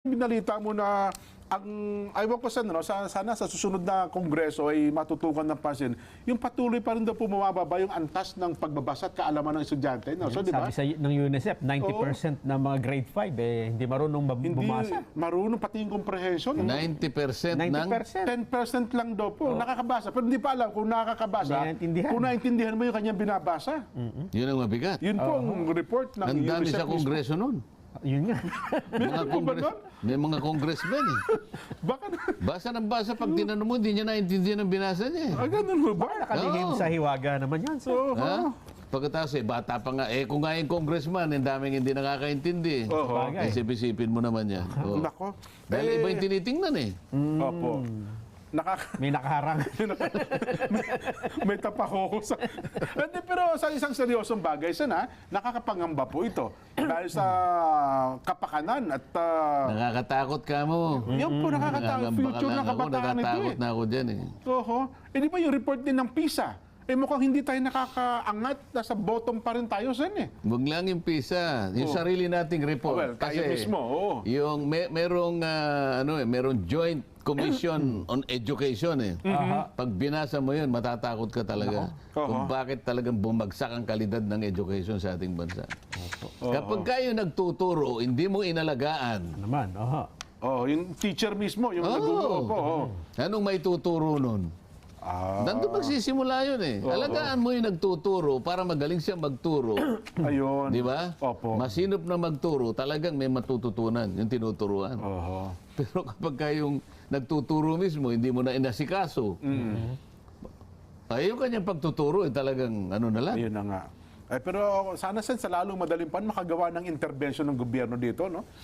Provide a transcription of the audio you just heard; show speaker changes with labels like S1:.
S1: Binalita mo na ang ayaw ko sana sa susunod na kongreso ay matutukan ng pansin yung patuloy pa rin daw bumababa yung antas ng pagbabasa at kaalaman ng estudyante, no? So, di ba?
S2: Sabi ng UNICEF, 90% ng mga grade 5 hindi marunong bumasa.
S1: Marunong pati yung comprehension.
S3: 90% ng
S2: 90%.
S1: 10% lang daw po nakakabasa. Pero hindi pa alam kung nakakabasa. Kung naintindihan mo yung kanyang binabasa.
S3: Yun ang mabigat.
S1: Yun po ang report ng
S3: Ang dami
S1: UNICEF
S3: sa kongreso nun.
S2: Yun nga.
S3: May mga congressmen eh.
S1: Baka
S3: Basa ng basa, pag tinanong mo, hindi niya naintindihan ang binasa niya eh.
S1: ganun mo ba?
S2: Nakalihim
S3: Oo.
S2: sa hiwaga naman yan. So,
S1: Oo.
S3: Ha? Pagkatapos bata pa nga, kung nga yung congressman, ang daming hindi nakakaintindi.
S1: Oo.
S2: Bagay.
S3: Isip-isipin mo naman yan. Oo.
S1: Nako.
S3: Dahil iba yung tinitingnan eh.
S1: Opo.
S2: may nakaharang.
S1: May tapako sa... Hindi, pero sa isang seryosong bagay, sana, nakakapangamba po ito. Dahil sa kapakanan at...
S3: Nakakatakot ka mo.
S1: yan po, nakakatakot. Future ng kabataan ito
S3: Natatakot na ako dyan eh.
S1: Oho. Di ba yung report din ng PISA? Mukhang hindi tayo nakakaangat. Nasa bottom pa rin tayo sen eh.
S3: Huwag lang yung PISA. Yung sarili nating report.
S1: Well, tayo mismo, oo.
S3: Yung merong joint commission on education eh. Pag binasa mo yun, matatakot ka talaga. Kung bakit talagang bumagsak ang kalidad ng education sa ating bansa. Kapag kayo nagtuturo, hindi mo inalagaan.
S2: Naman,
S1: Yung teacher mismo, yung naguguro po.
S3: Anong may tuturo nun? Nandun magsisimula yun eh. Alagaan mo yung nagtuturo para magaling siya magturo.
S1: Ayun.
S3: Di ba?
S1: Opo.
S3: Masinop na magturo, talagang may matututunan yung tinuturuan.
S1: Oho.
S3: Pero kapag kayong nagtuturo mismo, hindi mo na inasikaso. Ay, yung kanyang pagtuturo, talagang ano na lang.
S1: Ayun na nga. Pero sana sa lalong madaling pan makagawa ng intervention ng gobyerno dito, no?